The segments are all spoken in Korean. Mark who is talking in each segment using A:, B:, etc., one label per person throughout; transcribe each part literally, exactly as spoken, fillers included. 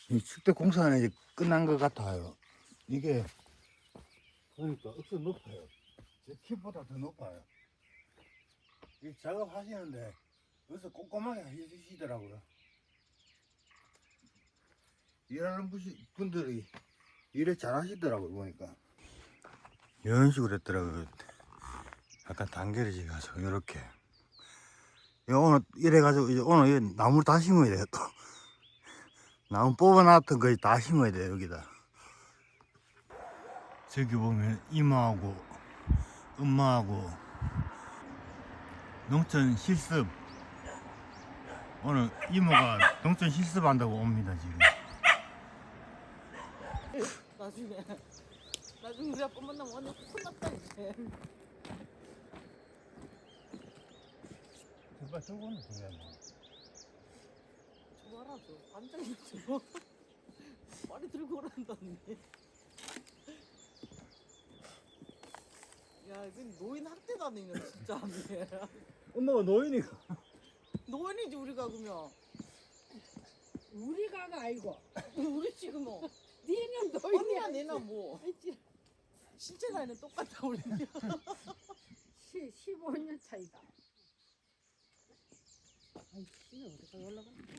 A: 이 축대 공사는 이제 끝난 것 같아요. 이게 그러니까 억수 높아요. 제 키보다 더 높아요. 이 작업하시는데 여기서 꼼꼼하게 해주시더라고요. 일하는 분이- 분들이 일을 잘 하시더라고요, 보니까. 이런 식으로 했더라고요. 약간 단결이 가서, 이렇게. 오늘 이래가지고, 이제 오늘 이 나무를 다 심어야 돼요, 또. 나무 뽑아놨던 거 다 심어야 돼요, 여기다. 저기 보면 이모하고 엄마하고 농촌 실습, 오늘 이모가 농촌 실습한다고 옵니다 지금.
B: 나중에 나중에 우리 아빠 만나면 완전 혼났다 이제.
A: 정말 저거는 중요한 거.
B: 저거 알아줘. 앉아있죠. 빨리 들고 오란다니. 야, 이건 노인 학대 다니냐 진짜.
A: 엄마가 노인이가.
B: 노인이지 우리가 그러면.
C: 우리가가 아니고
B: 우리 지금 뭐
C: 니는
B: 언니나
C: 노인이야.
B: 내나 뭐 신체 나이는 똑같아 우리.
C: 십오 년 차이다. 아이씨, 어디가 올라가는 거야?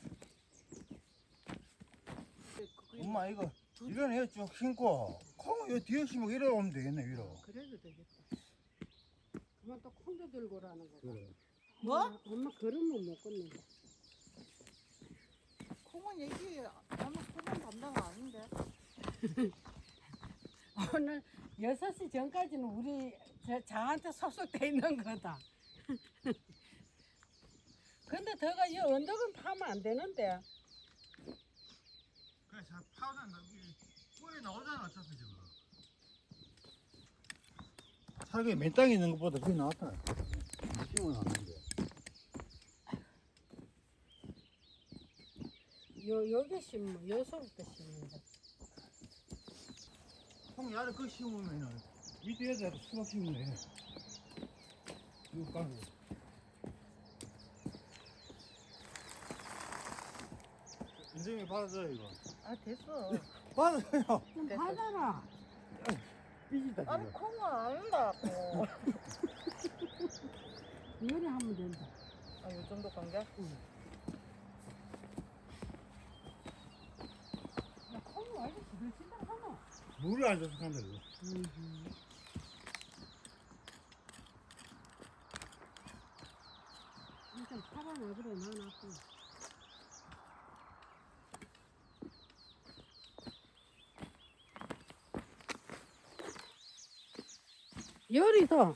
A: 엄마 이거 이런 애쭉 심고 콩 요 뒤에 심고 이래 오면 되겠네 위로.
C: 그래도 되겠다. 그만 또 콩도 들고 오라는 거다.
A: 그래.
B: 뭐?
C: 엄마, 엄마 그러면 못 걷는다.
B: 콩은 얘기 아마 콩은 담당 아닌데.
C: 오늘 여섯 시 전까지는 우리 저, 저한테 소속돼 있는 거다. 근데 더가 이 언덕은 파면 안 되는데.
A: 그래 잘 파우잖아. 꿀이 나오잖아 어차피 지금. 살게 맨 땅에 있는 것보다 그게 나았다. 심어놨는데.
C: 요 여기 심어, 여기서부터 심는다.
A: 콩 야를 그 심으면은 밑에에다 수박 심으면 돼. 이거 까고. 인정이 받아줘요 이거.
B: 아 됐어.
A: 받아줘요.
C: 좀
B: 됐어.
C: 받아라.
A: 삐진다
B: 아니
A: 지금.
B: 콩은 안다고.
C: 요리하면 된다.
B: 아, 요 정도 관계?
C: 응. 야, 콩이 완전 부들친다 하노.
A: 물을 안 줘서 간다 이거.
C: 음. 일단 파란 어그로 넣어놨고. 요리도.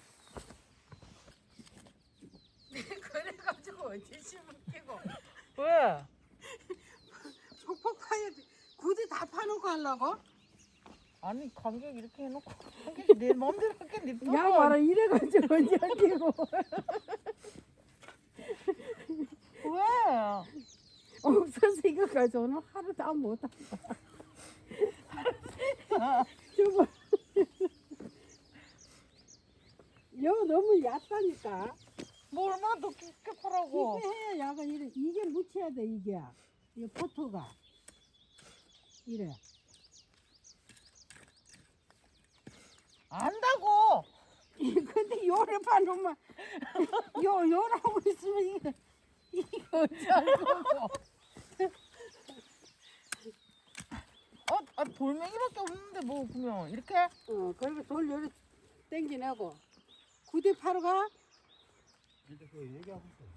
C: 그래가지고 어제 심을게고
B: 왜?
C: 폭폭 파야 돼. 굳이 다 파놓고 하려고?
B: 아니 간격 이렇게 해놓고 간격이 내 마음대로 할게 냅둬.
C: 야 봐라 이래가지고 언제 할게고.
B: 왜?
C: 없어서 이거 가지고 오늘 하루 다 못한다. 저거 여 너무 얕다니까.
B: 뭐 얼마나 더 깊게 파라고.
C: 이게 해야 야가 이래. 이게 묻혀야 돼 이게. 이 포토가 이래.
B: 안다고.
C: 근데 요래 파놓으면 요 요라고 있으면 이게 이게 어찌 알고.
B: 어, 아 돌멩이밖에 없는데 뭐 보면 이렇게.
C: 어 그리고 돌 요래 땡기내고 구대 파러 가.
A: 이제 그 얘기하고 있어.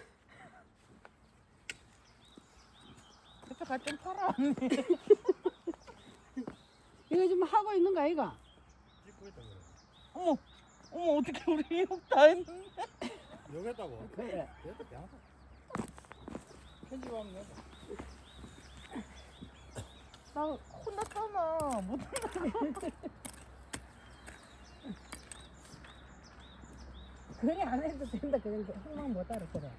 B: 그때 갈땐 팔아 언니.
C: 이거 지금 하고 있는 거 아이가?
A: 찍고 있다 그래.
B: 어머, 어머 어떻게 우리 욕 다 했는데.
A: 여기 했다고?
C: 그래.
A: 여기 대하다. 편집하면 된다.
B: 나 혼났잖아. 못한다고.
C: 그래 안 해도 된다 그런 게 흥망 못 알아 그래.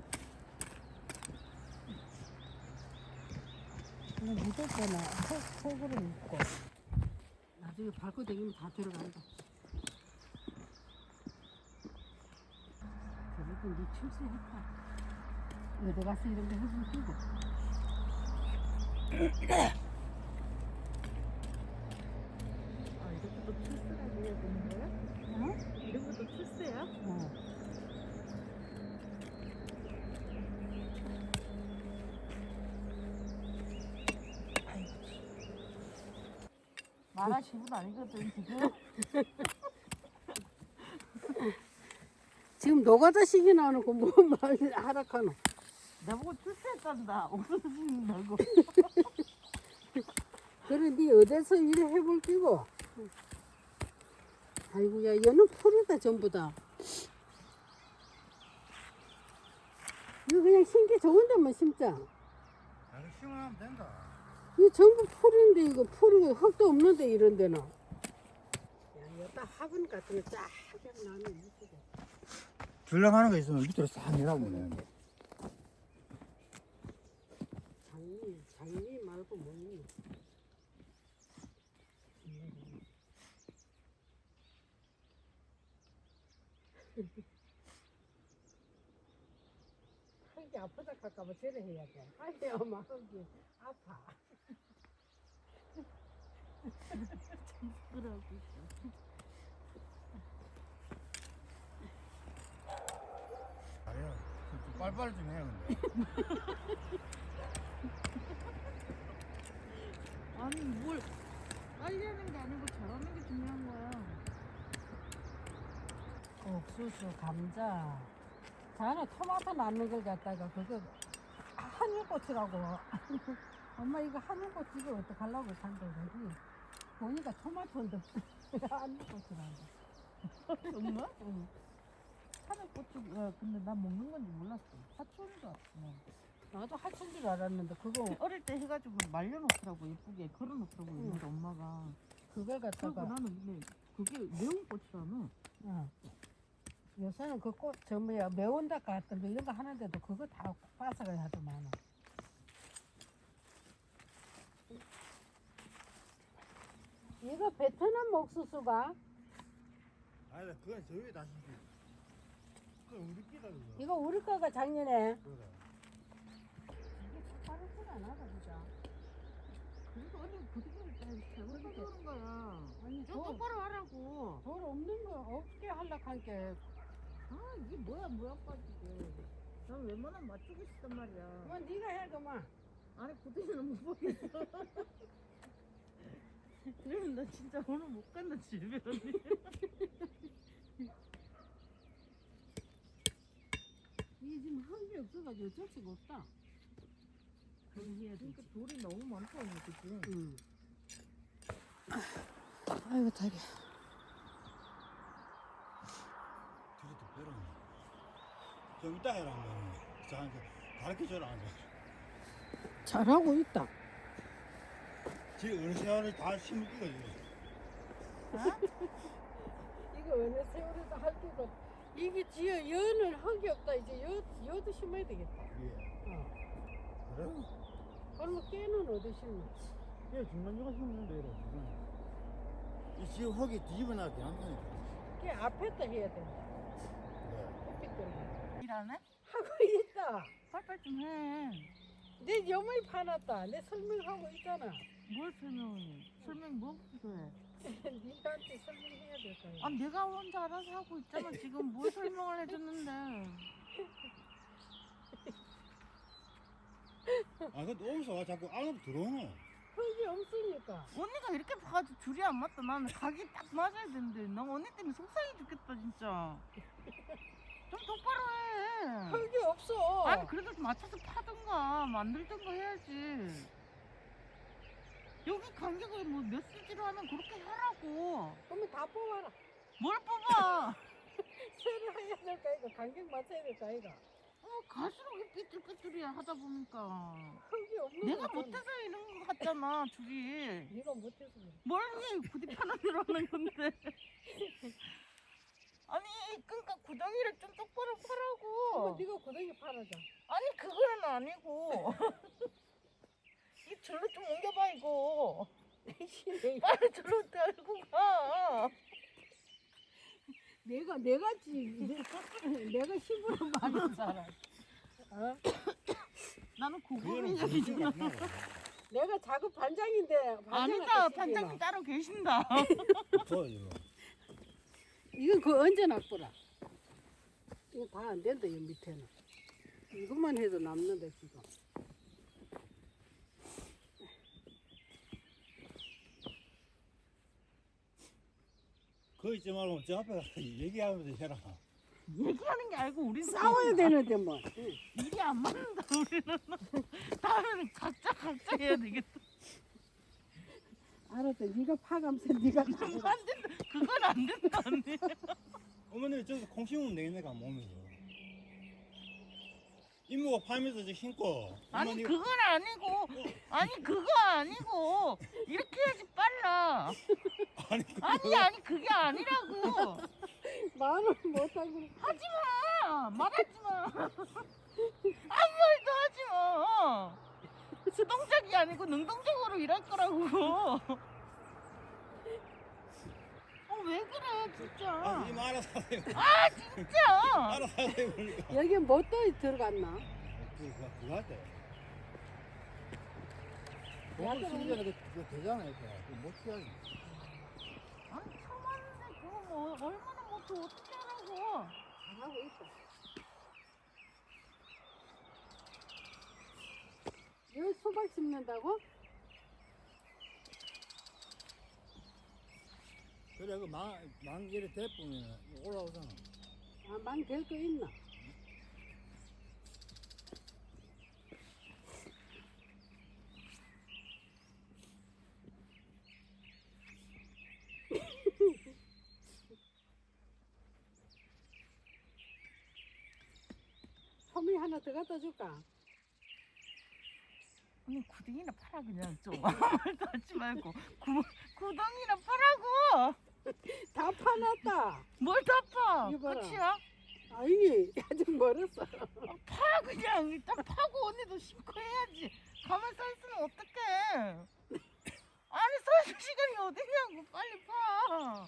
C: 그냥 묻을 때는 속, 속으로 묻고 나중에 밟고 다니면 다 들어간다. 저것도 네 출세했다. 어디 가서 이런 거 해줄 끼고.
B: 아 이렇게 또 출세라고 해야 되는 거야?
C: 어?
B: 이런 것도 출세야?
C: 어.
B: 말할 기분 아니거든 지금.
C: 지금 노가다 시기 나놓고 뭐 말 하락하노.
B: 나보고 출세했단다. 없어진다고.
C: 그래 니 어디서 일을 해볼 끼고. 아이고야 얘는 풀이다 전부 다. 이거 그냥 심기 좋은 데만 심자.
A: 나도 심으면 된다.
C: 이거 전부 풀인데 이거 풀이 흙도 없는데 이런 데는. 야 이거 딱 화분 같은 거쫙 나면 이쁘게.
A: 줄랑하는 거 있으면 밑으로 싹 내려보네.
C: 장미 장미 말고 뭐니? 흙이 아프다 할까봐 저래 해야 돼. 아니 엄마 흙이 아파.
B: 그러고 있어.
A: 아니야. 좀 빨리빨리 좀 해야 근데.
B: 아니 뭘 빨리 하는 게 아니고 잘하는 게 중요한 거야.
C: 옥수수, 감자. 자네 토마토 낳는 걸 갖다가 그거 하늘꽃이라고. 엄마 이거 하늘꽃 이거 어떡하려고 산다 그러지? 보니까 토마토인데 하늘꽃이라고.
B: 정말?
C: 응.
B: 하늘꽃이 야 근데 난 먹는 건지 몰랐어. 사촌인 줄 알았어.
C: 나도 하천 줄 알았는데 그거
B: 어릴 때 해가지고 말려놓더라고 예쁘게 걸어놓더라고
C: 응.
B: 옛날에 엄마가.
C: 그걸
B: 그리고
C: 갖다가
B: 나는 근데 그게 매운 꽃이라며.
C: 응. 요새는 그 꽃 저 뭐야 매운다 같은 거 이런 거 하는데도 그거 다 빠삭해야 하도 많아. 이거 베트남 옥수수가
A: 아니다 그건 저 위에 다시. 그건 우리 끼다 그거.
C: 이거 우리 거가 작년에
A: 그래.
C: 이게 빠르지가 않아 진짜.
B: 그래서 언니 그렇게 잘못 그러는 거야.
C: 아니
B: 좀
C: 돌,
B: 똑바로 하라고.
C: 돌 없는 거 없게 하려고 한게
B: 아 이게 뭐야 뭐야 빠지게. 난 웬만하면 맞추고 싶단 말이야.
C: 그만 네가 해 그만.
B: 아니 고등이는 못 보겠어. 그러면 나 진짜 오늘 못 간다 집에 언니.
C: 이게 지금 한 게 없어가지고 어쩔 수가 없다. 그럼 해야 돼.
B: 그러니까 돌이 너무 많다 언니 그치?
C: 응. 아이고 다리.
A: 뒤로 또 빼라. 좀 이따 해라 한번. 저한테 가르쳐줘라 한번.
C: 잘하고 있다.
A: 지금 어느 세월을 다 심을 끼가 지금.
C: 이거 어느 세월에도 할 때도 이게 지어 여는 흙이 없다. 이제 여 여도 심어야 되겠다.
A: 예.
C: 어.
A: 그래?
C: 그러면 깨는 어디 심어?
A: 얘 중간중간 심으면 돼 이래. 이 지금 흙이 뒤집어놨긴 한다니까.
C: 깨 앞에다 해야 된다.
A: 네.
C: 햇빛 들고.
B: 일 안 해?
C: 하고 있다.
B: 빨빨 좀 해.
C: 내 염을 파놨다. 내 설명하고 있잖아.
B: 뭘 설명해? 설명 뭐 필요해?
C: 니한테 설명해야 될 거야.
B: 아 내가 혼자 알아서 하고 있잖아 지금 뭘 설명을 해줬는데.
A: 아 근데 오면서 와 자꾸 안으로 들어오노.
C: 흙이 없으니까.
B: 언니가 이렇게 봐가지고 줄이 안 맞다. 나는 각이 딱 맞아야 되는데 나 언니 때문에 속상해 죽겠다 진짜. 좀 똑바로 해.
C: 흙이 없어.
B: 아니 그래도 좀 맞춰서 파던가 만들던가 해야지. 여기 간격을 뭐 몇 센치로 하면 그렇게 하라고.
C: 그러면 다 뽑아라.
B: 뭘 뽑아?
C: 새로 해야 될 거 이거 간격 맞춰야 될 거 이거.
B: 어 갈수록 삐뚤삐뚤이야 하다 보니까.
C: 흙이 없는
B: 내가
C: 거는
B: 못해서 이런 거 같잖아 줄이.
C: 네가 못해서 그래.
B: 뭘 해? 부디 편안으로 하는 건데. 아니 그러니까 구덩이를 좀 똑바로
C: 그거
B: 파라고.
C: 네가 고데기 팔아줘.
B: 아니 그거는 아니고. 이 절로 좀 옮겨봐 이거. 빨리 절로 달고 가.
C: 내가 내가 지 내가 힘으로 많이 살아. 어?
B: 나는
A: 그거는
B: 고급인적이잖아.
A: 문제가 없나 봐.
C: 내가 작업 반장인데
B: 아니다, 반장님 따로 계신다.
A: 저 이거.
C: 이건 그 언제 낚보라. 이거 다 안 된다 이 밑에는. 이것만 해도 남는데 지금.
A: 그거 있지 말고 저 앞에 가서 얘기하면서 해라.
B: 얘기하는 게 아니고 우리
C: 싸워야 되는데 뭐. 응.
B: 일이 안 맞는다 우리는. 다음에는 각자 각자 해야 되겠다.
C: 알았어. 네가 파감세 네가
B: 그건
C: 가져가.
B: 안 된다. 그건 안 된다 언니.
A: 어머니 저기서 콩 심으면 되겠네 가 몸에서. 이모가 파면서 저 심고.
B: 아니
A: 어머니
B: 그건 아니고 아니 그거 아니고 이렇게 해야지 빨라.
A: 아니
B: 아니 아니 그게 아니라고.
C: 말을 못하고.
B: 하지마 말하지마. 아무 말도 하지마. 수동적이 아니고 능동적으로 일할 거라고. 어 왜 그래 진짜.
A: 아, 이모 알아서 하세요.
B: 아 진짜.
A: 알아서 하세요 그러니까.
C: 여기 뭐또 들어갔나?
A: 그거 그거 할 때. 그거 쓰기 전에 그, 그거 되잖아 이거. 그거 못 해야지.
B: 아니 처음 왔는데 그거 뭐 얼마나 못해 어떻게 하라고.
C: 잘하고 있어. 여기 수박 심는다고?
A: 그래 그망망 이래 대보면 올라오잖아.
C: 아, 망 될 거 있나? 소미 하나 더 갖다 줄까?
B: 언니 구덩이나 팔아 그냥 좀. 아무 말도 하지 말고 구, 구덩이나 파라고.
C: 다 파놨다.
B: 뭘 다 파?
C: 이거 봐라.
B: 끝이야?
C: 아니 아직 멀었어.
B: 아, 파 그냥 일단 파고 언니도 심고 해야지. 가만 서 있으면 어떡해. 아니 서 있을 시간이 어디냐고 빨리 파.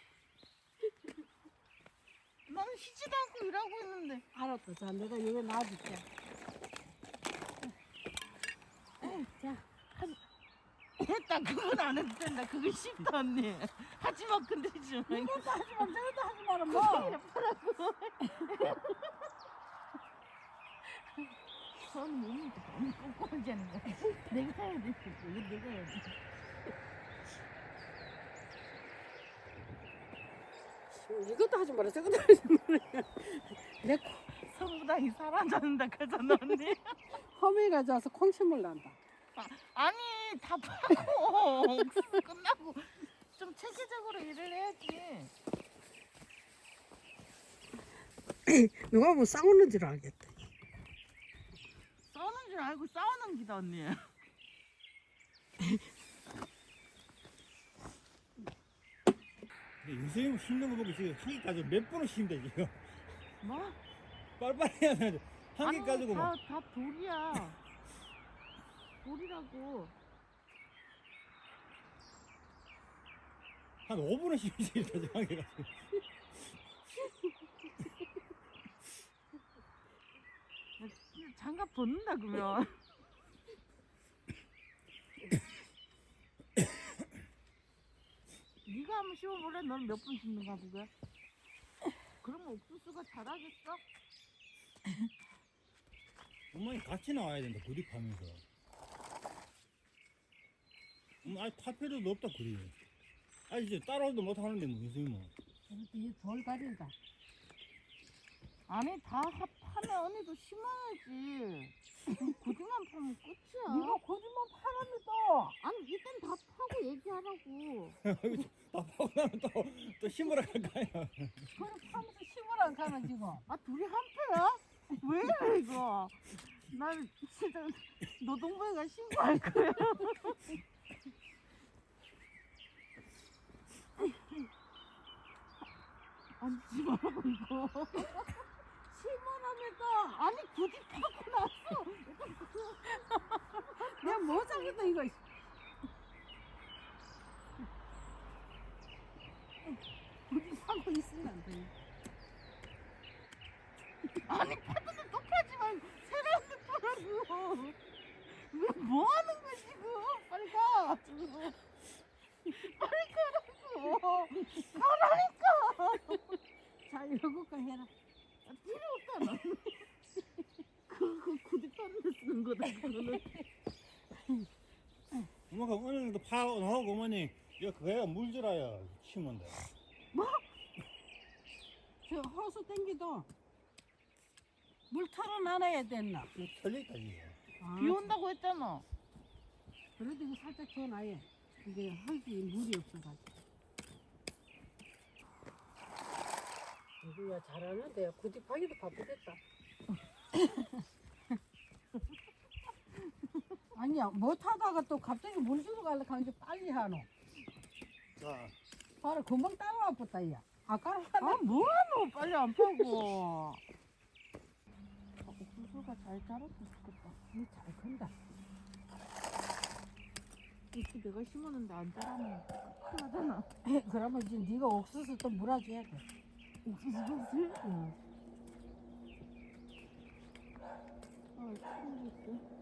B: 나는 쉬지도 않고 일하고 있는데.
C: 알았어. 자 내가 여기 놔줄게. 자
B: 됐다 그건 안 해도 된다. 그거 쉽다 언니. 하지마 근데 좀.
C: 이것도 하지 마 저것도 하지 마라 뭐.
B: 구덩이나 파라고. 저는 몸이 너무 꼼꼼하지 않은 거야. 내가 해야 돼. 이거 내가 해야 돼.
C: 이것도 하지 마라 저것도 하지 마라. 내
B: 성부당이 사라졌는다 그러잖아 언니.
C: 허미가 져서 콩심을 난다.
B: 아, 아니 다 파고 옥수수 끝나고 좀 체계적으로 일을 해야지.
C: 누가 보면 싸우는 줄 알겠다.
B: 싸우는 줄 알고 싸우는 기다 언니.
A: 근데 요새 심는 거 보고 지금 한 개까지 몇 번을 심다 지금.
B: 뭐?
A: 빨리빨리 해야 돼. 한 개 가지고 뭐.
B: 다, 다 돌이야. 돌이라고.
A: 한 오 분은 심지 지금 한 개 가지고.
B: 장갑 벗는다 그러면. 네가 한번 씌워볼래? 넌 몇 분 씹는가 보게. 그러면 옥수수가 자라겠어?
A: 엄마니 같이 나와야 된다 그립하면서. 음, 아니 탈 필요도 없다 그립. 아니 이제 따라오도 못 하는데 뭐 요새 뭐.
C: 이돌 가린다.
B: 아니 다 하- 파면 언니도 심어야지. 고기만 파면 끝이야.
C: 이거 거짓말 파라면 또.
B: 아니 일단 다 파고 얘기하라고.
A: 다 파고 나면 또, 또 심으러 갈 거 아니야.
C: 그래 파면서 심으라 안 가나 지금.
B: 아 둘이 한패야? 왜 이래 이거? 난 진짜 노동부에가 신고할 거야. 앉지 말라고 이거.
C: 심으라면 또.
B: 아니 굳이 파고 났어.
C: 내가 뭐 사겠다 이거. 우리 사고 있으면 안 돼.
B: 아니 파도는 또 파지 말고 새로운 데 파라고. 왜 뭐 하는 거야 지금? 하는 거다 그거는.
A: 엄마 그 어느 정도 파 나오고 어머니 이거 그거야 물질아야 치면 돼.
C: 저 호수 땡기도 물 털어놔야 됐나?
A: 이거 털리다 이거.
C: 아,
B: 비 온다고 했잖아.
C: 그래도 이거 살짝 줘놔요. 이게 흙이 물이 없어가지고. 이거야 잘하는데 구집하기도 바쁘겠다. 아니야 못하다가 또 갑자기 물 주러 가려고 하는데 빨리 하노.
A: 자,
C: 바로 금방 따라와 봤다 야. 아까
B: 아
C: 하나
B: 뭐하노 빨리 안 파고. 옥수수가 잘 자랐으면 좋겠다.
C: 잘 큰다.
B: 이렇게 내가 심었는데 안 자라면 큰일 나잖아.
C: 그러면 이제 네가 옥수수 또 물어줘야 돼.
B: 옥수수 밭을?
C: 응.
B: 아 큰일이지.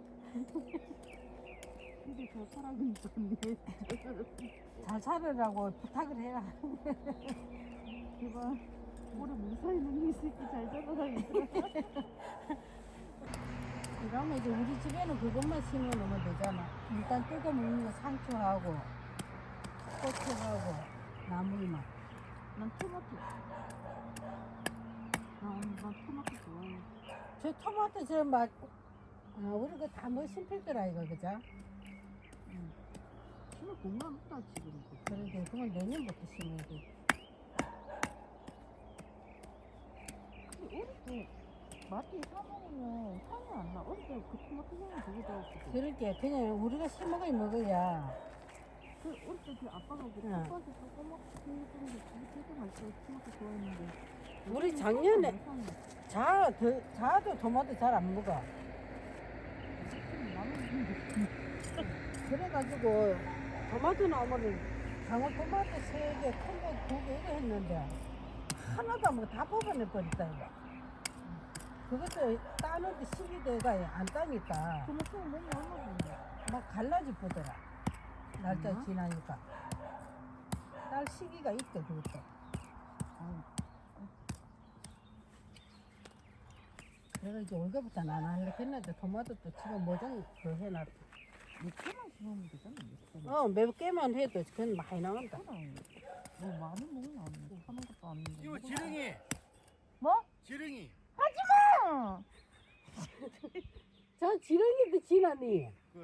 B: 근데 저 사람은 좋네.
C: 잘 살으라고 부탁을 해라.
B: 제발 올해 무사히 는이 새끼 잘 자라라 얘들아.
C: 그러면 이제 우리 집에는 그것만 심어놓으면 되잖아. 일단 뜯어 먹는 거 상추하고 고추하고 나물만.
B: 난 토마토. 난, 난 토마토 좋아해.
C: 저 토마토 저 막, 아, 우리 그 다 뭐 심필 거라 이거 그죠?
B: 심을 공간 없다 지금.
C: 그런데 그건 내년부터 심어야 돼.
B: 근데 어릴 때 마트에 사 먹으면 향이 안 나. 어릴 때 그 토마토 향이 되게 좋았거든.
C: 그렇게 그냥 우리가 심어가 먹어야.
B: 그 어릴 때 그 아빠가 그
C: 응.
B: 아빠한테 토마토 키우는 게 되게 맛있어. 토마토 좋아했는데.
C: 우리 작년에
B: 향이
C: 자, 더, 자도 토마토 잘 안 먹어. 그래가지고 토마토 나무를 방울토마토 세 개, 큰 거 두 개 이거 했는데 하나도 안 먹어. 다 뽑아내 버렸다 이거. 그것도 따는데 시기대가 안 따니까
B: 토마토 몸이 얼마나 좋은데.
C: 막 갈라지 보더라. 날짜
B: 음.
C: 지나니까 딸 시기가 있대 그것도. 내가 이제 올해부터 안 하려고 했는데 토마토 또 지금 모종 그 해놨다.
B: 몇개만 심으면 되잖아. 몇 개만.
C: 어, 몇 개만 해도 그건 많이 나온다.
B: 그럼 뭐 많이 먹으면 안 돼. 하는 것도 아닌데.
A: 이거 지렁이,
B: 뭐?
A: 지렁이.
B: 하지마!
C: 저 지렁이도 지나니.
A: 그래.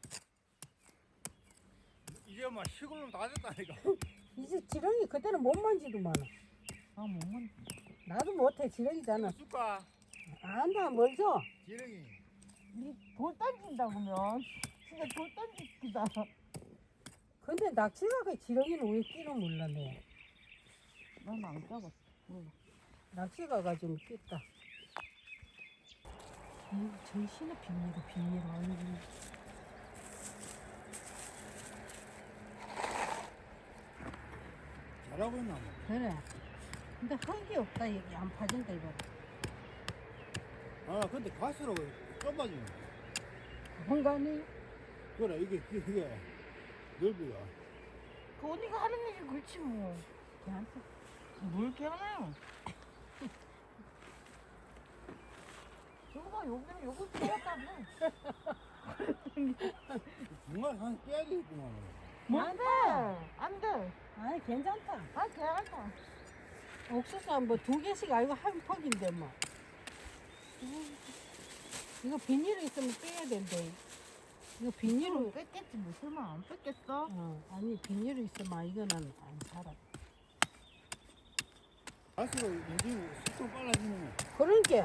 A: 이제 막 시골로 다 됐다니까.
C: 이제 지렁이 그때는 못 만지더만.
B: 아, 못 만져.
C: 나도 못해 지렁이잖아.
A: 줄까?
C: 안다 뭘 줘?
A: 지렁이.
B: 니돌 던진다 그러면 진짜 돌 던지기다.
C: 근데 낚시가 그 지렁이는 왜 끼는 몰라네.
B: 난 안 잡았어. 몰라.
C: 낚시가 가지고 끼다. 이 정신의 비밀이 비밀 아니지.
A: 잘하고 있나 뭐.
C: 그래. 근데 흙이 없다 여기 안 파진다 이거.
A: 아, 근데 갈수록 좁아지네.
C: 공간이
A: 그래, 이게, 이게, 넓이가.
B: 그 언니가 하는 일이 그렇지 뭐.
C: 걔한테
B: 뭘 개하나요? 저거 봐, 여기는 요거 빼왔다며.
A: 정말 한 깨야 되겠구만.
B: 뭔데? 안 돼.
C: 아니 괜찮다.
B: 아, 개하다.
C: 옥수수 뭐 두 개씩 아니고 한 퍽인데 뭐. 이거 비닐이 있으면 빼야 된대. 이거 비닐을
B: 뺐겠지, 뭐 설마 안 뺐겠어?
C: 어, 아니 비닐이 있으면 이거는 안 살아.
A: 갈수록 요즘 속도 빨라지네.
C: 그런 게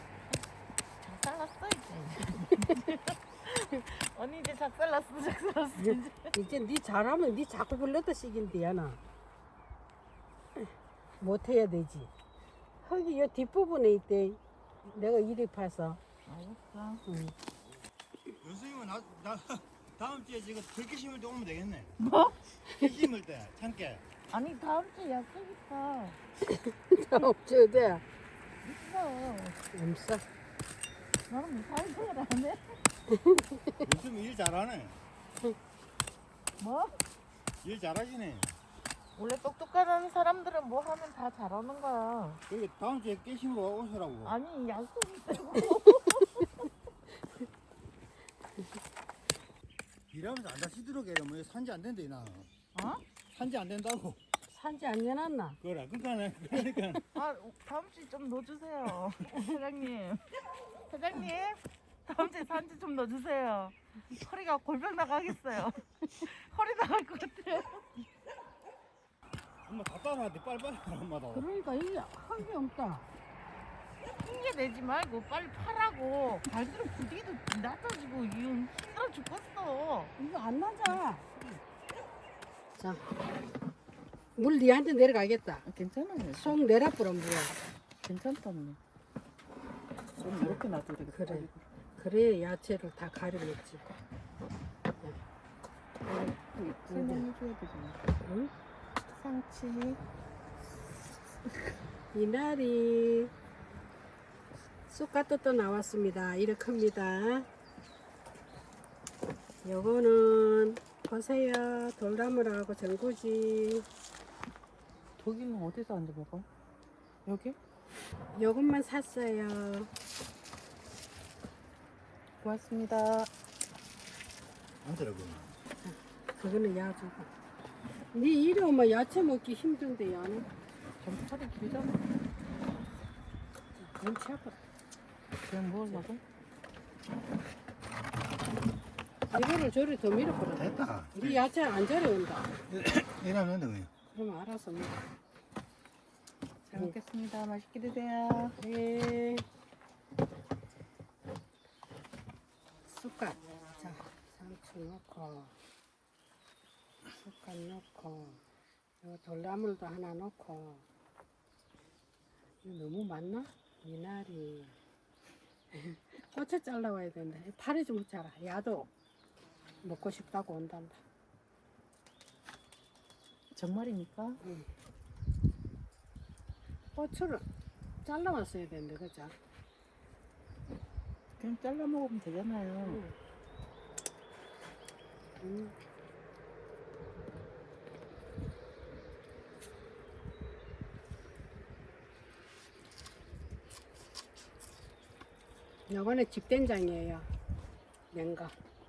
B: 작살났어 이제. 언니 이제 작살났어, 작살났어 이제.
C: 이제 네 잘하면 네 자꾸 불렀다 시긴데야 나. 못해야 되지. 흙이 요 뒷부분에 있대. 내가 이리 파서.
B: 알겠어.
C: 응.
A: 연수님은 나, 나, 다음 주에 지금 들깨 심을 때 오면 되겠네.
B: 뭐?
A: 깨 심을 때, 참깨.
B: 아니 다음 주에 약속 있어.
C: 다 없어야 돼.
B: 있어.
C: 없어.
B: 나는 뭐 사회생활 안 해?
A: 요즘 일 잘하네.
B: 뭐?
A: 일 잘하시네.
B: 원래 똑똑한 사람들은 뭐 하면 다 잘하는 거야.
A: 여기 다음 주에 깨 심으러 오시라고.
B: 아니 약속 있다고.
A: 게 뭐 산지 안 된대 나.
B: 어?
A: 산지 안 된다고.
C: 산지 안 내놨나?
A: 그래 그러니까 그러니까.
B: 아 다음 주에 좀 넣어주세요. 회장님. 회장님. 다음 주에 산지 좀 넣어주세요. 허리가 골병 나가겠어요. 허리 나갈 것 같아요.
A: 엄마 다 따라하는데 빨리빨리 하라 엄마도.
C: 그러니까 이게 한 게 없다.
B: 핑계 내지 말고 빨리 파라고. 발들은 부디도 낮아지고 이건 힘들어 죽겠어.
C: 이거 안 맞아. 자, 물 니한테 내려가겠다.
B: 괜찮아요.
C: 속 내라 뿌려 물어.
B: 괜찮다 언니. 좀 이렇게 놔둬도 되겠다.
C: 그래. 그래 야채를 다 가려 먹지.
B: 설명해줘야 되잖아.
C: 응?
B: 상치.
C: 이날이 쑥갓도 또 나왔습니다. 이렇게 큽니다. 요거는 보세요. 돌나무라고 전구지.
B: 독일은 어디서 앉아 먹어? 여기?
C: 요것만 샀어요.
B: 고맙습니다.
A: 안더라고.
C: 그거는 야주고. 네 이리 오면 야채 먹기 힘든데 야는.
B: 점팔이 길잖아.
C: 눈치 아파.
B: 그냥 먹으려고?
C: 이거를 저리 더 밀어버려.
A: 됐다.
C: 우리 야채 안 저려온다.
A: 이러면 돼 그냥.
C: 그럼 알아서 먹어.
B: 잘 먹겠습니다. 맛있게 드세요.
C: 네. 쑥갓. 자, 상추 넣고, 쑥갓 넣고, 요 돌나물도 하나 넣고. 이거 너무 많나? 미나리. 고추 잘라와야 된다. 파리 좀 자라. 야도 먹고 싶다고 온단다.
B: 정말입니까?
C: 응. 고추를 잘라왔어야 되는데, 그죠?
B: 그냥 잘라 먹으면 되잖아요.
C: 응. 음. 요거는 집된장이에요. 냉가.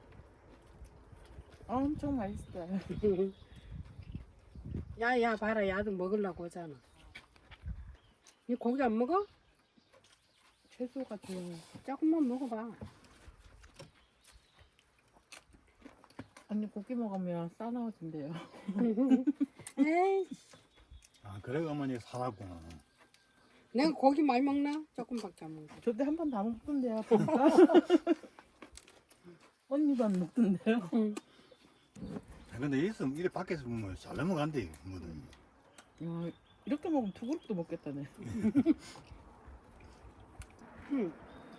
B: 엄청 맛있어요.
C: 야야 봐라 야도 먹으려고 오잖아. 이 고기 안 먹어?
B: 채소가 좀
C: 조금만 먹어봐.
B: 언니 고기 먹으면 싸나워진대요.
C: 에이,
A: 아 그래 어머니 사라구나.
C: 내가 고기 많이 먹나? 조금밖에 안 먹어.
B: 저때 한 번 다 먹던데요. 보니까. 언니도 안 먹던데요.
C: 응.
A: 아, 근데 있으면 이래 밖에서 보면 잘 넘어간대 뭐든.
B: 야, 이렇게 먹으면 두 그릇도 먹겠다네.
C: 응.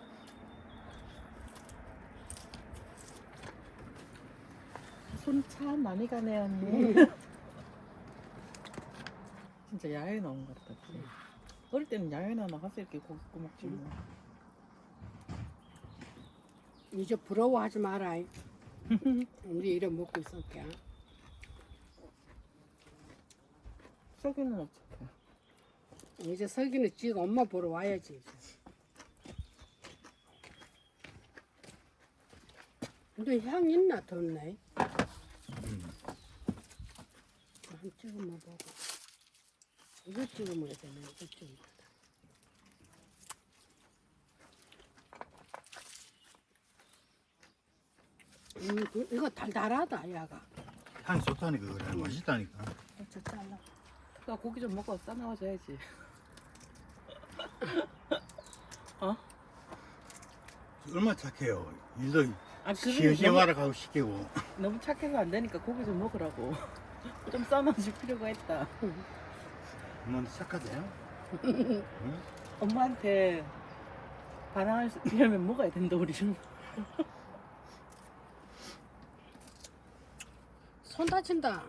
B: 손 참 많이 가네 언니.
C: 응.
B: 진짜 야외 나온 것 같다. 진짜. 어릴 때는 야외나 나가서 이렇게 고기 구워 먹지 뭐.
C: 이제 부러워하지 마라. 우리 이래 먹고 있을게.
B: 석이는 어떡해?
C: 이제 석이는 지가 엄마 보러 와야지. 이제. 근데 향 있나 덜네.
A: 음.
C: 한 찍어 먹어보고. 이거 찍어 먹어야 되네. 이거 찍어 먹어야 돼. 음, 그- 이거 달달하다, 야가.
A: 향이 좋다니까 그래 맛있다니까.
C: 저 잘라.
B: 나 고기 좀 먹어 싸나워져야지. 어?
A: 얼마 착해요. 일도
B: 아
A: 시험시험하러 가고 시키고.
B: 너무 착해서 안 되니까 고기 좀 먹으라고. 좀 싸놔줄 필요가 있다.
A: 어머니 착하대요? 응?
B: 엄마한테 반항하려면 먹어야 된다 우리는.
C: 손 다친다.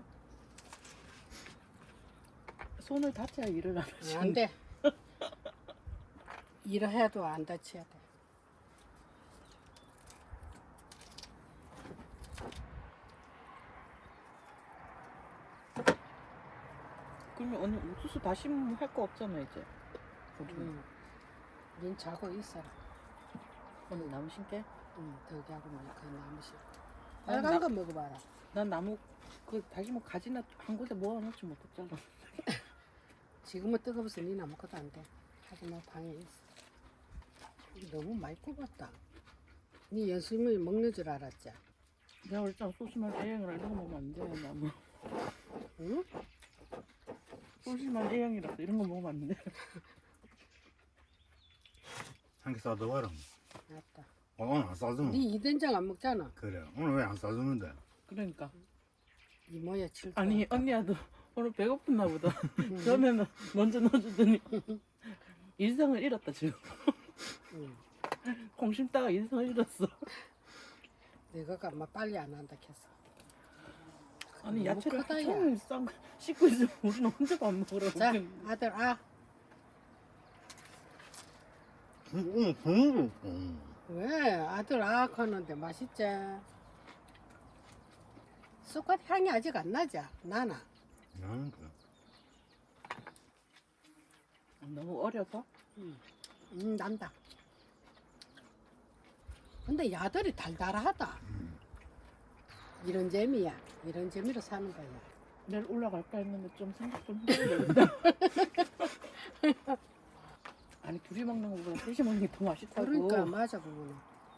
B: 손을 다쳐야 일을 안 하지.
C: 안 돼. 일을 해도 안 다쳐야 돼.
B: 그러면 언니 옥수수 다시 할 거 없잖아 이제. 우리
C: 응. 닌 자고 있어라.
B: 오늘 나무 신게?
C: 응, 덕이하고 말그 나무시. 빨간 거 먹어봐라.
B: 난 나무 그 다시 뭐 가지나 한 곳에 모아놓지 못했잖아.
C: 지금은 뜨거워서 니는 아무것도 안 돼. 하지만 방에 있어. 이거 너무 많이 굽었다. 니 연수님이 먹는 줄 알았지?
B: 내가 그랬잖아. 소심한 A형이라 이런 거 먹으면 안 돼. 나무.
C: 응?
B: 소심한 A형이라서 이런 거 먹으면 안 돼.
A: 한 개 싸줘봐라.
C: 알았다.
A: 어, 오늘 안 싸주면.
C: 니 이된장 안 먹잖아.
A: 그래. 오늘 왜 안 싸주는데?
B: 그러니까.
C: 이모야 칠.
B: 아니 언니야도 오늘 배고팠나 보다.
C: 응.
B: 처음에는 먼저 넣어주더니 일성을 잃었다 지금.
C: 응.
B: 콩 심다가 일성을 잃었어.
C: 내가 아마 빨리 안 한다 했어.
B: 아니
C: 너무
B: 야채를
C: 크다, 야.
B: 한참 쌈 씻고 있으면 우리는 혼자 밥 먹으라고.
C: 자, 아들 아.
A: 응, 응, 응.
C: 왜 아들 아 하는데 맛있지? 쑥갓 향이 아직 안 나지? 나나.
A: 나는 그.
B: 너무 어려서?
C: 음, 음 난다. 근데 야들이 달달하다.
A: 음.
C: 이런 재미야. 이런 재미로 사는 거야.
B: 내일 올라갈까 했는데 좀 생각 좀 해보려다. 아니 둘이 먹는 거보다 셋이 먹는 게 더 맛있다고.
C: 그러니까 맞아 그거는.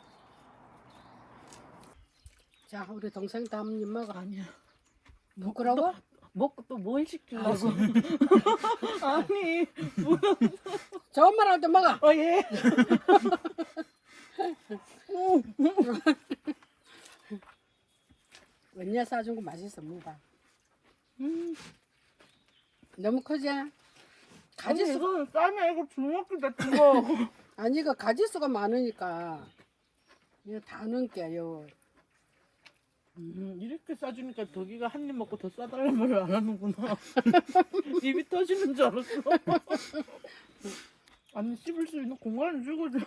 C: 자 우리 동생 다음 입 먹어.
B: 아니야.
C: 부끄러워?
B: 먹고 또 뭘 시키려고. 아니.
C: 좋은 말 할 때 먹어.
B: 어 예.
C: 언니가 싸준 거 맛있어 먹어봐.
B: 음.
C: 너무 크지?
B: 아니
C: 가지수
B: 이거는 쌈이야. 이거 주먹기다 주먹.
C: 아니 이거 가지수가 많으니까 이거 다 넣을게요.
B: 음, 이렇게 싸주니까 덕이가 한 입 먹고 더 싸달라는 말을 안 하는구나. 입이 터지는 줄 알았어. 아니 씹을 수 있는 공간을 주고 줘.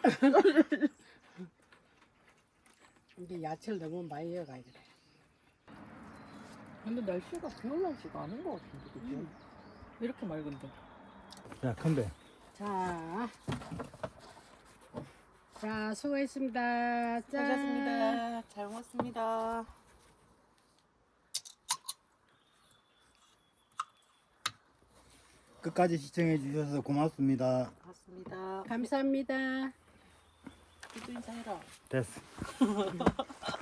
C: 이게 야채를 너무 많이 넣어가야 돼.
B: 근데 날씨가 비 올 날씨가 아닌 것 같은데 그치?
C: 음.
B: 이렇게 맑은데.
A: 자, 큰배.
C: 자, 자 수고했습니다. 짠.
B: 수고하셨습니다. 잘 먹었습니다.
A: 끝까지 시청해 주셔서 고맙습니다.
B: 고맙습니다.
C: 감사합니다.
B: 또 인사해라.
A: 됐어.